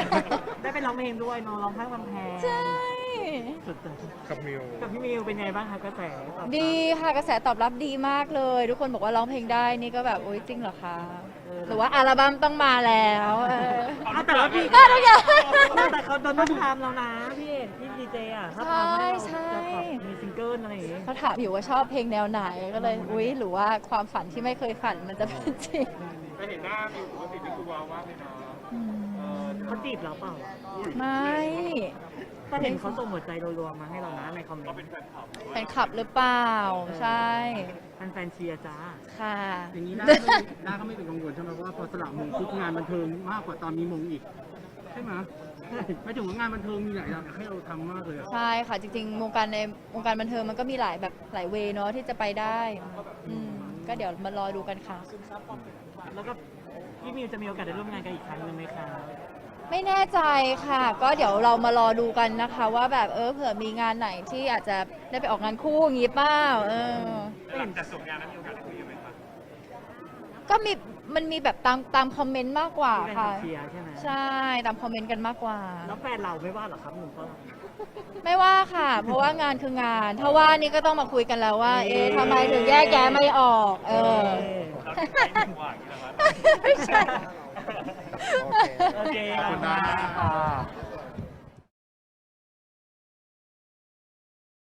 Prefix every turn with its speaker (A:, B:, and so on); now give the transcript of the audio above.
A: ได้ไปร้องเพลงด้วยเนอะร้องข้างกำแพง
B: ใช่
A: สุดยอด
C: กับมิว
A: กับพี่มิวเป็นไงบ้างคะกระแสตอบรับ
B: ดีค่ะกระแสตอบรับดีมากเลย ทุกคนบอกว่าร้องเพลงได้นี่ก็แบบโอ๊ยจริงเหรอคะหรือว่าอัลบั้มต้องมาแล้ว
A: เอาแต่ว่าพี่
B: ก็ทุกอย่าง
A: แต่เขาโดนต้องทำแล้วนะพี่เอกพี่ดีเจอ่ะถ้าทำให้เราจะแบบมีซิงเกิลอะไรอย่างเงี้ย
B: เขาถามอยู่ว่าชอบเพลงแนวไหนก็เลยอุ๊ยหรือว่าความฝันที่ไม่เคยฝันมันจะเป็นจริง
C: ก็เห็นหน้ามิวปกตินี่คือว้าวมากเลยนะ
B: อืม
A: เขาจีบเราเปล่าอะ
B: ไม่
A: ก็เห็นเขาส่งหัวใจรัวๆมาให้เรานะในคอมเมนต์
B: เป็นขับหรือเปล่าใช่
A: แฟนๆเชียร์จ้า
B: ค่ะ
D: อย่างนี้ด้าก็ไม่เป็นกังวลใช่ไหมว่าพอสละมงปุ๊บงานบันเทิงมากกว่าตอนมีมงอีกใช่ไหมไม่ถึงว่างานบันเทิงมีหลายอย่างให้เราทำมากเลยอะ
B: ใช่ค่ะจริงๆวงการในวงการบันเทิงมันก็มีหลายแบบหลายเวย์เนาะที่จะไปได้ก็เดี๋ยวมารอดูกันค่ะ
A: แล้วก็พี่มิวจะมีโอกาสได้ร่วมงานกันอีกครั้งหนึ่งไหมคะ
B: ไม่แน่ใจค่ะ ก็เดี๋ยวเรามารอดูกันนะคะ ว่าแบบเผื่อมีงานไหนที่อาจจะได้ไปออกงานคู่อย่างงี้เปล่า
C: หลังจากส่งงานแล้วมีโอกาสได้คุยกันไหมคะ
B: ก็มันมีแบบตามคอมเมนต์มากกว่า
A: ที่แฟน
B: ค่ะ
A: ๆเชียร์ใช่ไหม
B: ใช่ตามคอมเมนต์กันมากกว่า
A: แล้วแฟนเราไม่ว่าเหรอครับหนุ่มฝรั่ง
B: ไม่ว่าค่ะ เพราะว่างานคืองาน ถ้าว่านี่ก็ต้องมาคุยกันแล้วว่า ทำไมถึงแยกแยะไม่ออก
C: เราใช้หนึ่งหวานอย่างนี้นะครับ
B: ไม่ใช่
A: โอเค
C: ขอบคุณนะ